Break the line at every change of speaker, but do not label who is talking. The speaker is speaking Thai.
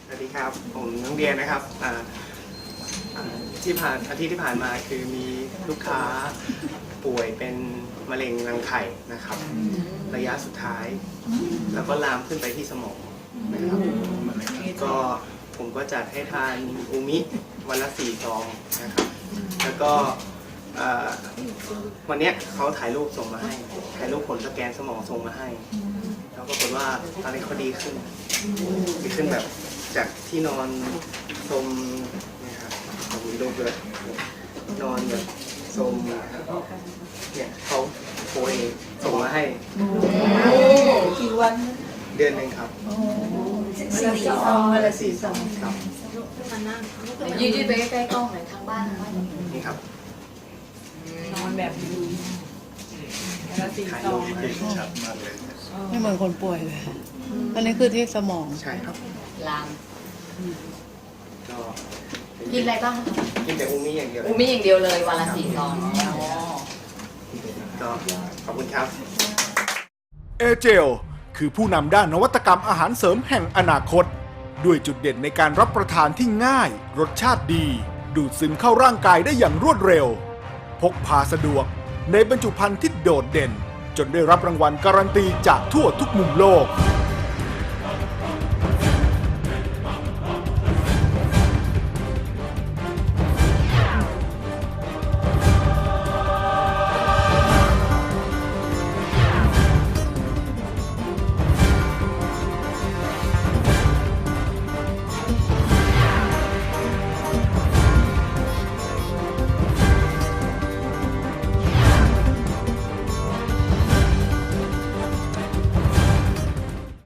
สวัสดีครับผมน้องเดียนะครับอาทิตย์ที่ผ่านมาคือมีลูกค้าป่วยเป็นมะเร็งรังไข่นะครับระยะสุดท้าย แล้วก็ลามขึ้นไปที่สมองนะครับก็ผมก็จัดให้ทานอูมิวันละ4 ซองนะครับแล้วก็วันนี้เขาถ่ายรูปส่งมาให้ถ่ายรูปผลสแกนสมองส่งมาให้แล้วปรากฏว่าตอนนี้เขาดีขึ้นแบบจากที่นอนสมนะครับผมมีรูปด้วยนอนแบบสมนะครับเนี่ยเขาโพยส่งมาให้
กี่วัน
เดือนหนึ่งครับ
วันละ4 ซอง
ครับ
ยืดไปใกล้ๆกล้องหน่อยทางบ้าน
นี่ครับ
นอนแบบดีวันละ4 ซอง
ชัดมากเลย
ไม่เหมือนคนป่วยเลย อันนี้คือที่สมอง
ใช่ครับ
ลาม
ก็
กินอะไรบ้าง
กินแต่อูมิอย่างเดียว
อูมิอย่างเดียวเลยวันละ4 ซอง
ก็ขอบคุณครับ
เอเจลคือผู้นำด้านนวัตกรรมอาหารเสริมแห่งอนาคต ด้วยจุดเด่นในการรับประทานที่ง่าย รสชาติดี ดูดซึมเข้าร่างกายได้อย่างรวดเร็ว พกพาสะดวกในบรรจุภัณฑ์ที่โดดเด่น จนได้รับรางวัลการันตีจากทั่วทุกมุมโลก